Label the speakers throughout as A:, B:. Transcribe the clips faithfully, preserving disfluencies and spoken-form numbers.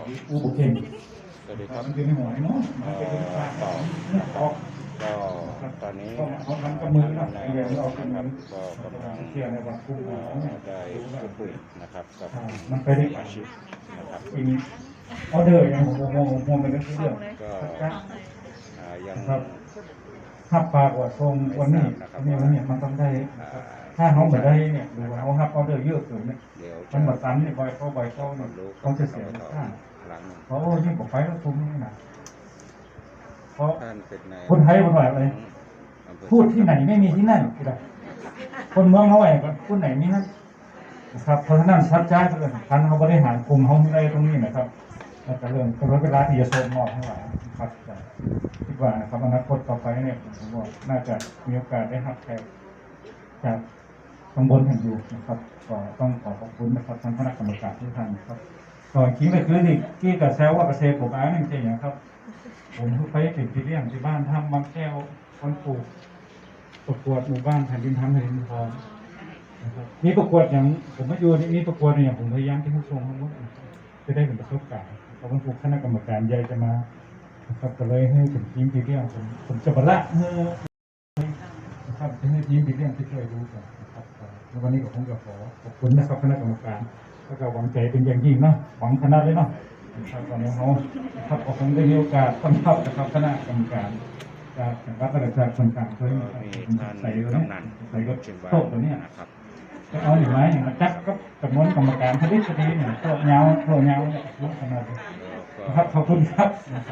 A: อู้บุกเข่ง
B: สวัสดีครับ
A: มันเป็นหัวเนาะมันเป็นปลาต่อเนี่ยต่อ
B: ก็ตอนนี้
A: เขาทำกับมือนะ
B: ใน
A: ไอเดียเรา
B: นะ
A: ทำ
B: ค
A: มื
B: รับ
A: อ
B: ก็กำลัง
A: เชื่อในวันคุ้ม
B: เอ่
A: ของเนี่ย
B: อได้พูดคุยนะครับกับ
A: มันไปได้
B: สมาชิกนะครับ
A: อีกออเดอร์ยังโมโมโมเป็นเรื่อง
B: ก็อ่ายัง
A: ครับฮับปากว่าทรงวันนี้วันนี้วันนี้มันต้องได้
B: อ่า
A: ถ้าเขาไม่ได้เนี่ยหรือว่าเขาฮับออเดอร์เยอะเกินเนี่ย
B: เดี๋ยว
A: มันมาซ้ำเนี่ยบ่อยเข้าบ่อยเข้า
B: ค
A: เนี่
B: วาย มรู้
A: เขาจะเสีย
B: ต่อ
A: ค่า
B: หลังหนึ่ง
A: เพราะยิ่งกว่าไฟแล้วคุ้มนี่นะเพราะ
B: ท่านเป็นใน
A: คนไทยคนไหนอะไรพูดที่ไหนไม่มีที่นั่นคนเมืองเขาไอ้พูดไหนมีนั่นนะครับเพราะฉะนั้นชัดใจเป็นเรื่องสำคัญเขาบริหารกลุ่มเขาในตรงนี้นะครับแล้วก็เรื่องกำหนดเวลาที่จะส่งมอบให้หลายครับคิดว่านะครับอนาคตต่อไปเนี่ยผมว่าน่าจะมีโอกาสได้รับแขกจากตำบลแห่งอยู่นะครับก็ต้องขอขอบคุณนะครับทั้งคณะกรรมการทุกท่านครับก่อนคิดไปคือนี่ที่กับแซวว่าเกษตรผมอ้างจริงๆนะครับผมเพิ่งไปติดที่เลี้ยงที่บ้านทำบางแก้วคนปลูกประกวดหมู่บ้านแผ่นดินทำแผ่นดินทองนะครับมีประกวดอย่างผมมาอยู่นี่มีประกวดอย่างผมพยายามที่ผู้ชมทั้งหมดจะได้เป็นประสบการณ์เพราะว่าทุกคณะกรรมการใหญ่จะมานะครับก็เลยให้ถึงทีมที่เลี้ยงผมผมจะบรรละเฮ้นะครับจะให้ทีมที่เลี้ยงที่ช่วยดูกันนะครับแล้ววันนี้ก็คงจะขอขอบคุณนะครับคณะกรรมการแล้วก็หวังใจเป็นอย่างยิ่งเนาะหวังขนาดเลยเนาะนะครับตอนนี้เขาครับคงได้มีโอกาสต้อนรับนะครับคณะกรรมการจากวัดประชาชนต่างๆเพื่อ
B: ก็มีท่าน
A: ใส่
B: กำนัน
A: ใส่รถ
B: เชียง
A: โต๊ะตัวเนี้ย
B: นะครับ
A: จะเอาหรือไม่อย่างมาจักก็จำนวนกรรมการพอดีพอดีเนี่ยโต๊ะเงาโต๊ะเงาเนี่ยรู้ขนาดนี้
B: แล้วก็
A: ครับขอบคุณครับ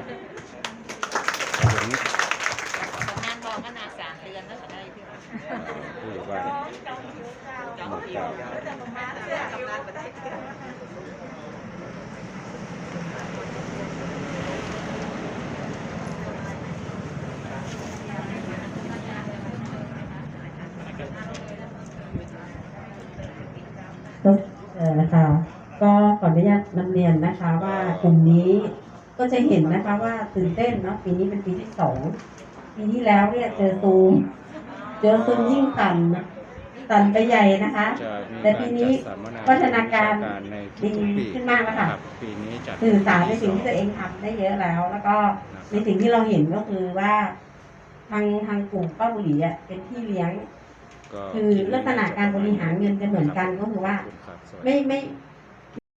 B: ถึง
C: งานบอกก็นาสามเดือนแล้วก็ได้พี่ว่า
B: ผู้ใหญ่บ้านหมู่เก้า
D: ก็เอ่อนะคะก็ขออนุญาตนำเรียนนะคะว่ากลุ่มนี้ก็จะเห็นนะคะว่าตื่นเต้นเนาะปีนี้เป็นปีที่สองปีที่แล้วเนี่ยเจอซูมเจอซูมยิ่งสั่นนะสั่นไปใหญ่นะคะ
B: จะมี
D: แต่ปีนี้
B: จัดสัมมนา
D: พัฒนาการ
B: ในทุ
D: ดี
B: กๆปี
D: ขึ้นมากแล้วค่ะ
B: รับปีนี้จัด
D: สื่อสารในสิ่งที่ตัวเองทำได้เยอะแล้ว แล้วก็ในสิ่งที่เราเห็นก็คือว่าทางทางกลุ่มป้าบุหรี่อ่ะเป็นที่เลี้ยง
B: ก็
D: คือลักษณะการบริหารเงินจะเหมือนกันก็คือว่า ไม่ไม่